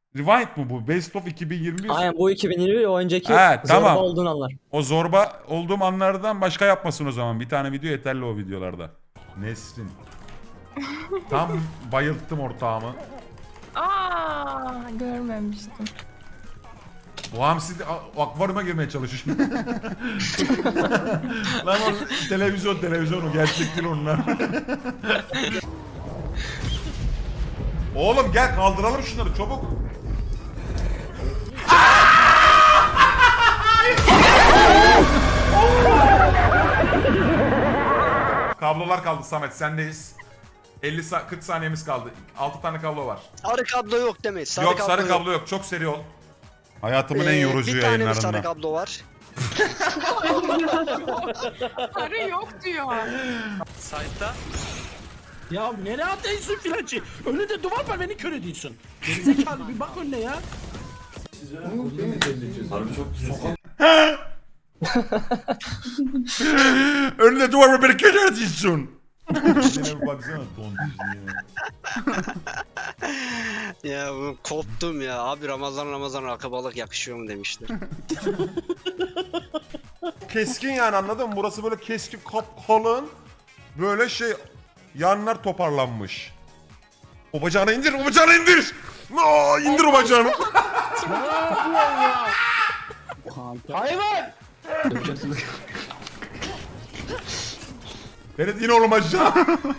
Rewind mu bu? Best of 2021. Aynen bu 2021 o önceki He, tamam. zorba olduğun anlar. O zorba olduğum anlardan başka yapmasın o zaman. Bir tane video yeterli o videolarda. Nesrin. Tam bayılttım ortağımı. Görmemiştim. Bu hamsi de akvaryuma girmeye çalışıyor. Lan o televizyon o gerçek değil onlar. Oğlum gel kaldıralım şunları çabuk. Kablolar kaldı Samet sendeyiz. 40 saniyemiz kaldı. 6 tane kablo var. Sarı kablo yok demeyiz. Yok sarı kablo yok. Çok seri ol. Hayatımın en yorucu Bir tane mi sarı yayınlarından. kablo var? Sarı yok diyor. Site'da. Ya nereye atıyorsun filancı? Önünde duvar var beni kör ediyorsun. Gerizekalı bir bak önüne ya. Önüne duvar mı beni keder ediyorsun? Yine bir baksana tontişliğine. Ya bu koptum ya. Abi Ramazan akabalık yakışıyor mu demişler. Keskin yani anladın mı? Burası böyle keskin kalın. Böyle şey yanlar toparlanmış. O bacağını indir, o bacağını indir. Aa, indir o bacağını. Hayvan! Berat in oğlum aşağı.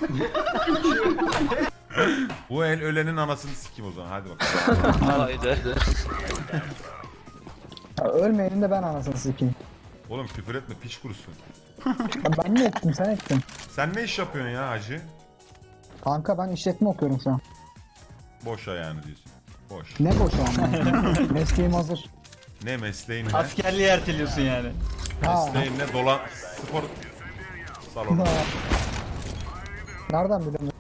Bu el ölenin anasını sikim o zaman hadi bakalım. Haydi. Ya ölmeyenin de ben anasını sikeyim. Oğlum küfür etme piç kurusun. Ya ben mi ettim sen ettin. Sen ne iş yapıyorsun ya hacı? Kanka ben işletme okuyorum şu an. Boşa yani diyorsun. Boş. Ne boş yani. Mesleğim hazır. Ne mesleğin ne? Askerliği erteliyorsun yani. Ha. Mesleğin ne? Spor salonu. Nereden biliyorsun?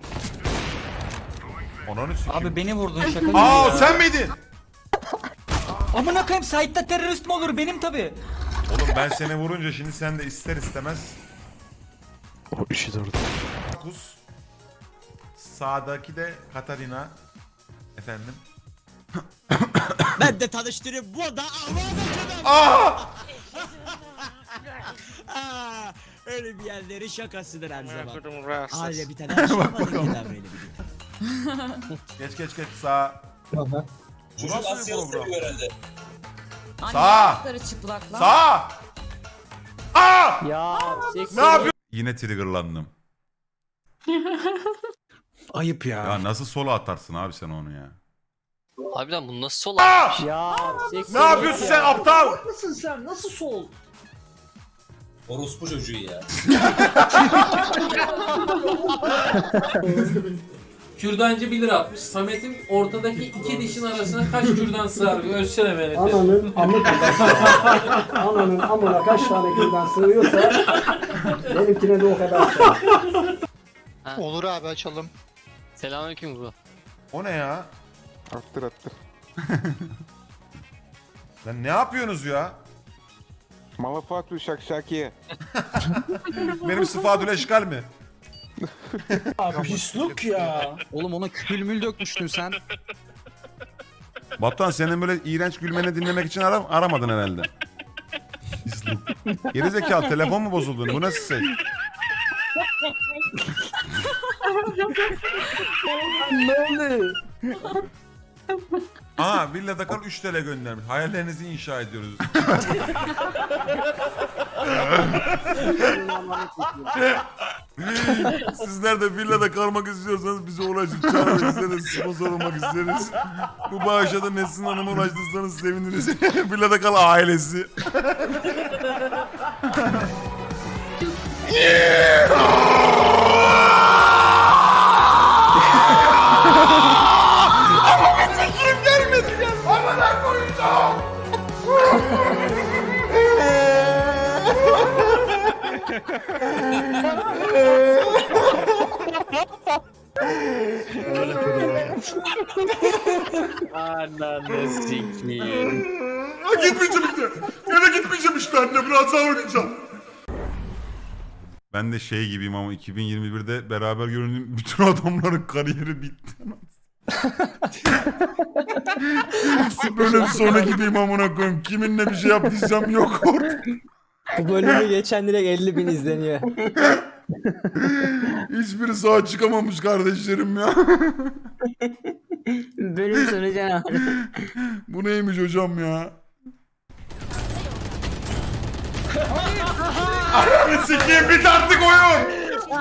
Ananı sikeyim. Abi beni vurdun şaka gibi Aa ya. sen miydin? Amına koyayım site'da terörist mi olur benim tabi. Oğlum ben seni vurunca şimdi sen de ister istemez. O işi de orada. Kus. Sağdaki de Katarina. Efendim. Ben de tanıştırayım bu da Aa! öyle bir yerleri şakasıdır her zaman. Rahatsız. Aile bir tane aşamadık ki davranı bir. Geç sağ. Aha. Bu nasıl bir program? Anne Sağ. ayakları çıplak lan. Sağ. Aa! Ya seksi. Ne yapıyorsun? Yine triggerlandım. Ayıp ya. Ya nasıl sola atarsın abi sen onu ya? Harbiden bu nasıl sol? Ya seksi. Ne yapıyorsun sen aptal? Nasılsın sen? Nasıl sol? Orospu çocuğu ya. Kürdancı 1 lira atmış. Samet'in ortadaki iki dişin arasına kaç kürdan sığar? Ölçsene beni. Ananın amı kadar. Ananın amına kaç tane kürdan sığıyorsa benimkine de o kadar sığar. Olur abi açalım. Selamünaleyküm bro. O ne ya? Attır. Lan ne yapıyorsunuz ya? Malafatu şakşaki. Benim sıfadül eşkal mi? Pisluk ya. Oğlum ona külmül dökmüştün sen. Batuhan senin böyle iğrenç gülmeni dinlemek için aramadın herhalde. Gerizekalı telefon mu bozuldu? Bu nasıl şey? Aa Villa Dakar 3 TL göndermiş. Hayallerinizi inşa ediyoruz. Sizler de villada kalmak istiyorsanız bize ulaşın. Çağırmak isteriz, sponsor olmak isteriz. Bu bağışa da Nesrin Hanım'a ulaştırsanız seviniriz. Villada kal ailesi. Ananı sikiyim. Gitmeyeceğim işte. Eve gitmeyeceğim işte anne. Biraz daha oynayacağım. Ben de şey gibiyim ama 2021'de beraber göründüğüm bütün adamların kariyeri bitti. Bölüm sonu gibiyim amına koyayım. Kiminle bir şey yaptıysam yok orada. Bu bölümü geçen direkt 50.000 izleniyor. Hiçbiri sağ çıkamamış kardeşlerim ya. Bölüm sonu canavarı. Bu neymiş hocam ya? Ananı sikeyim bit artık oyun.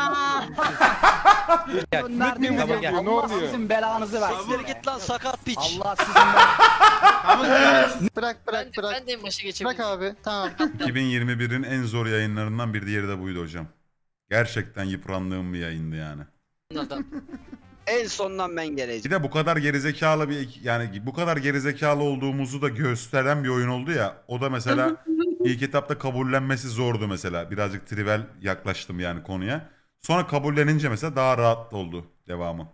Ne oluyor? Sizin belanızı versin. Siktir git lan sakat piç. Allah sizin Bırak. Ben de en başa geçebilirim. Bırak abi. Tamam. 2021'in en zor yayınlarından bir diğeri de buydu hocam. Gerçekten yıprandığım bir yayındı yani. Adam. En sondan ben Bir geleceğim. de bu kadar gerizekalı bu kadar gerizekalı olduğumuzu da gösteren bir oyun oldu ya. O da mesela ilk etapta kabullenmesi zordu mesela. Birazcık trivial yaklaştım yani konuya. Sonra kabullenince mesela daha rahat oldu devamı.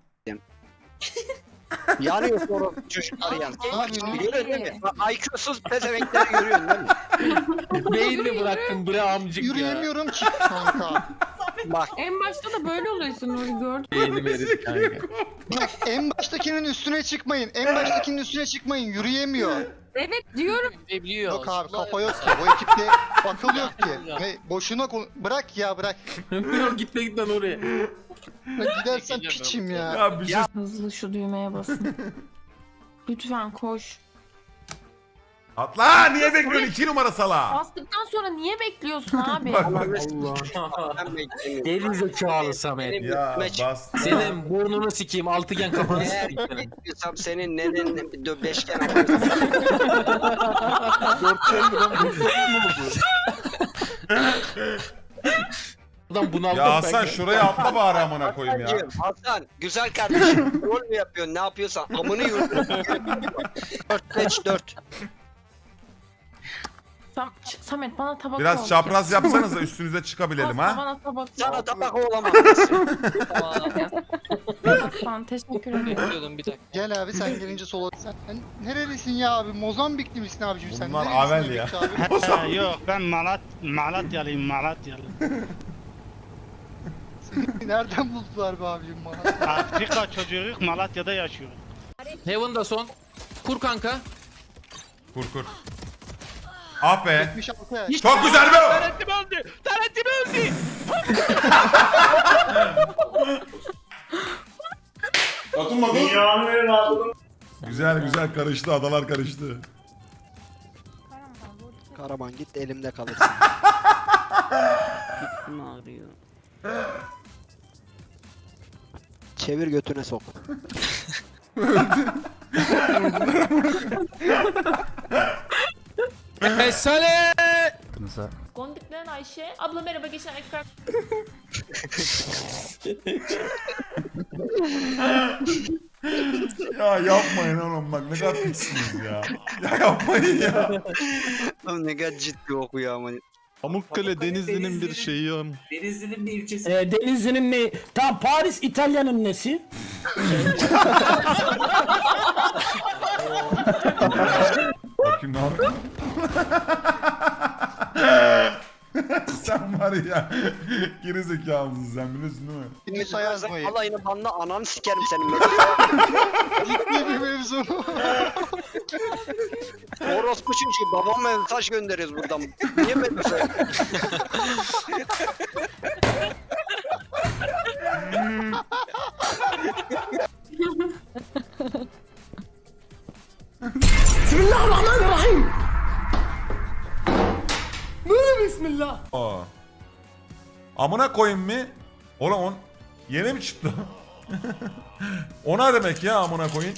Yanıyor sonra çocuklar yan. Abi, Görüyorsun değil mi? IQ'suz pezevenkleri görüyorsun değil mi? Beyin mi bıraktın bre amcık ya? Yürüyemiyorum ki kanka. Bak En başta da böyle oluyorsun Nuri gördün. Beynim eridi kanka. Bak en baştakinin üstüne çıkmayın. En baştakinin üstüne çıkmayyin. Yürüyemiyor. Evet diyorum. Yok abi kafa yok ki. Bu ekipte akıl yok ki. Ne, boşuna bırak ya bırak. Yok gitme oraya. Gidersen piçim ya. Ya bir şey Hızlı şu düğmeye basın. Lütfen koş. atla niye bekliyorsun 2 numara sala? Bastıktan sonra niye bekliyorsun abi? Bak bak. ben beklemiyorum. Geri zekalı Samet. Benim Ya üstüme çık. bastı. Senin burnunu sikeyim, altıgen kafanı Eğer sikeyim. bekliyorsam senin nenenin bir beşgen atarım. Buradan bunaldım Ya ben. Hasan şuraya atla bari amına koyayım ya. Hasan güzel kardeşim. Rol mü yapıyorsun ne yapıyorsan amını yürütüyorsun. 4-5-4. Samet bana tabak Biraz ol. çapraz yapsanız da üstünüze çıkabilelim Aslan, ha. Bana tabak Sana ol. tabak olamam. Aslan, teşekkür ederim. Gel abi sen gelince sola. Sen nerelisin ya abi? Mozambikli misin abicim sen? Bunlar Nerelisin Avel ya. Emekçi abi? Yok ben Malatyalıyım Malatyalı. Nereden buldular be abicim bana? Afrika çocuğuyuz Malatya'da yaşıyoruz. Heaven'da son. Kur kanka. Kur kur. Ah be. 76 ya. Çok güzel be. Tarentim öldü! Tarentim öldü! Güzel güzel karıştı adalar karıştı. Karaman git elimde kalırsın. Çevir götüne sok. Mesale! Gondiklerin Ayşe. Abla merhaba geçen ekran. Ya yapmayın oğlum bak ne kadar piksiniz ya. Ya yapmayın ya. Oğlum ne kadar ciddi okuyor ama. Pamukkale Denizli'nin bir şeyi am. Denizli'nin bir ilçesi. Denizli'nin ne? Tam Paris İtalya'nın nesi? Bakayım ne yapayım. Sen var ya geri zekalısın sen biliyorsun değil mi? Kimse yazmayın. Alayını banla ananı sikerim senin. Ciddi bir mevzu. Orospu çünkü babama mesaj gönderiyoruz buradan. Niye böyle şey? Bismillahirrahmanirrahim. Aa. Amına koyayım mı? Oğlum on yeni mi çıktı? Ona demek ya amına koyayım.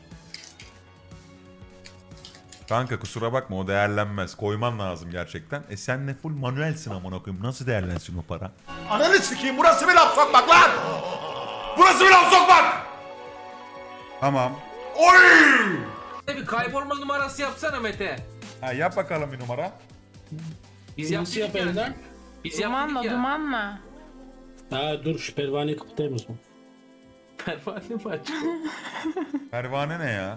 Kanka kusura bakma o değerlenmez. Koyman lazım gerçekten. Sen ne full manuelsin amına koyayım. Nasıl değerlensin o para? Ananı sikeyim burası bir laf sokmak lan! Burası bir laf sokmak! Tamam. Oy! Bir kaybolma numarası yapsana Mete. Ha yap bakalım bir numara. Biz yaptık ya. Biz yaptık ya. Dumanla. Ha dur şu pervaneyi kapatayım o zaman. Pervane mi açtı? Pervane ne ya?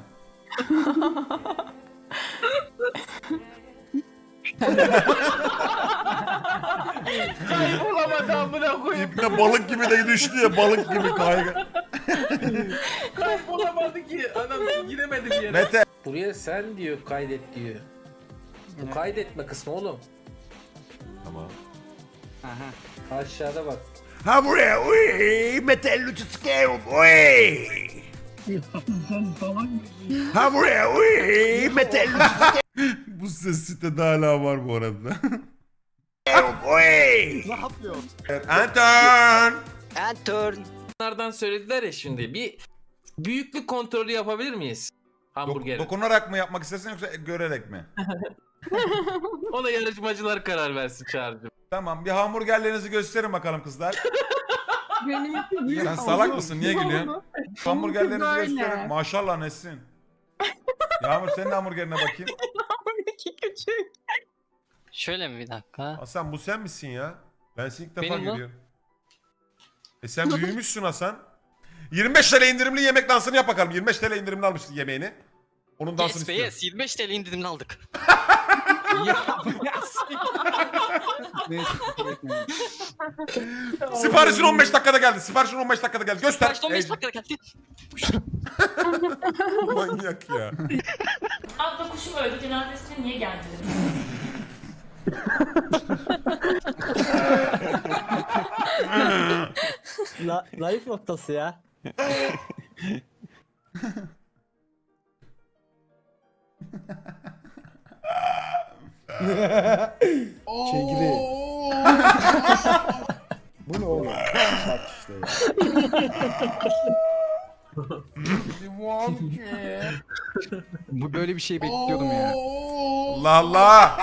Kaybolamadı amına koyayım. İpne balık gibi de düştü ya, balık gibi kayga. Kaybolamadı ki. Adam giremedi bir yere. Mete. Buraya sen diyor kaydet diyor. Bu kaydetme kısmı oğlum. Tamam. Aşağıda bak. Ha buraya, uy, Mete Luciskeo, uy. Ha buraya, uy, Mete Luciskeo. Bu ses sitede hala var bu arada. Uy. Ne yapıyor? Anton. And turn. Bunlardan söylediler ya şimdi. Bir büyüklük kontrolü yapabilir miyiz? Hamburger. Dokunarak mı yapmak istersin yoksa görerek mi? Ona yarışmacılar karar versin Çağrı'cığım. Tamam, bir hamburgerlerinizi gösterin bakalım kızlar. Benimki büyük Sen oldu. salak mısın? Niye gülüyorsun? Oldu. Hamburgerlerinizi Benimki böyle. gösterin. Maşallah Nesin. Yağmur senin de hamburgerine bakayım. Benimki küçük. Şöyle mi bir dakika? Hasan bu sen misin ya? Ben seni ilk defa Benim mi? görüyorum. Sen büyümüşsün Hasan. 25 TL indirimli yemek dansını yap bakalım. 25 TL indirimli almışsın yemeğini. Onun dansını Yes be istiyorum. yes. 25 TL indirimli aldık. Siparişin 15 dakikada geldi. Siparişin 15 dakikada geldi. Göster. Kaç 15 dakika geldi. Manyak ya. Abla kuşum öldü cenazesine niye geldin? Zayıf noktası ya. Çekiri. Bu ne oğlum? Bak işte ya. Bu böyle bir şey bekliyordum ya. Allah Allah.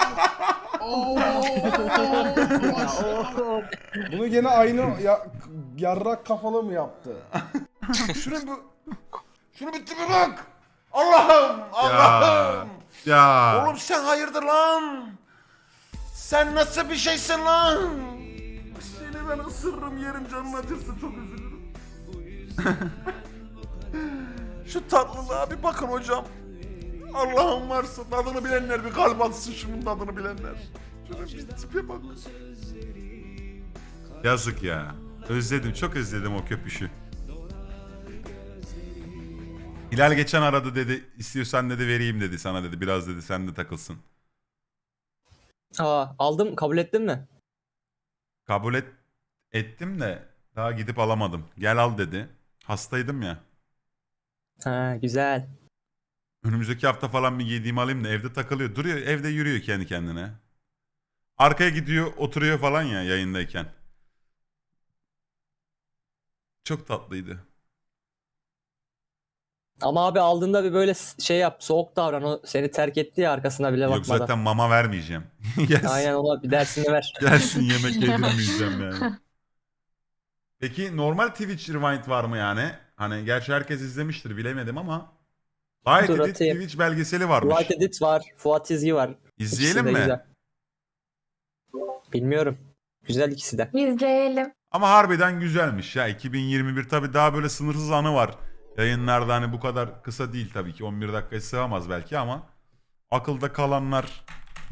Bunu gene aynı yarrak kafalı mı yaptı? Şunu bir tipe bak. Allah'ım. Allah'ım. Ya. Oğlum sen hayırdır lan? Sen nasıl bir şeysin lan? Seni ben ısırırım, yerim, canın acırsa çok üzülürüm. Şu tatlılığa bir bakın hocam. Allah'ım varsa tadını bilenler bir kalp atsın, şunun tadını bilenler. Şuna bir tipe bak. Yazık ya. Özledim, çok özledim o köpüşü. Hilal geçen aradı dedi, istiyorsan dedi vereyim dedi sana dedi, biraz dedi sen de takılsın. Aa, aldım, kabul ettin mi? Kabul ettim de daha gidip alamadım. Gel al dedi. Hastaydım ya. Ha, güzel. Önümüzdeki hafta falan bir yediğimi alayım da evde takılıyor. Duruyor, evde yürüyor kendi kendine. Arkaya gidiyor, oturuyor falan ya yayındayken. Çok tatlıydı. Ama abi aldığında bir böyle şey yap, soğuk davran. O seni terk etti ya, arkasına bile Yok bakmadan. zaten mama vermeyeceğim. Gelsin, Aynen, ona bir dersini ver. gelsin yemek yedirmeyeceğim yani. Peki normal Twitch Rewind var mı yani? Hani gerçi herkes izlemiştir bilemedim ama. Light Dur, Edit atayım. Twitch belgeseli varmış. Light Edit var, Fuat Çizgi var. İzleyelim İkisi de mi? güzel. Bilmiyorum. Güzel ikisi de. İzleyelim. Ama harbiden güzelmiş ya. 2021 tabii daha böyle sınırsız anı var. Yayınlarda hani bu kadar kısa değil tabii ki. 11 dakikaya sığamaz belki ama akılda kalanlar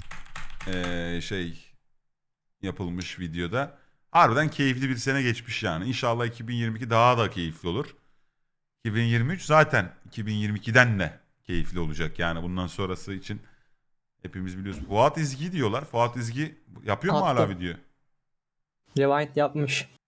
şey yapılmış videoda. Harbiden keyifli bir sene geçmiş yani. İnşallah 2022 daha da keyifli olur. 2023 zaten 2022'den de keyifli olacak yani bundan sonrası için hepimiz biliyoruz. Fuat İzgi diyorlar. Fuat İzgi yapıyor mu hala Attım. video? Rewind yapmış.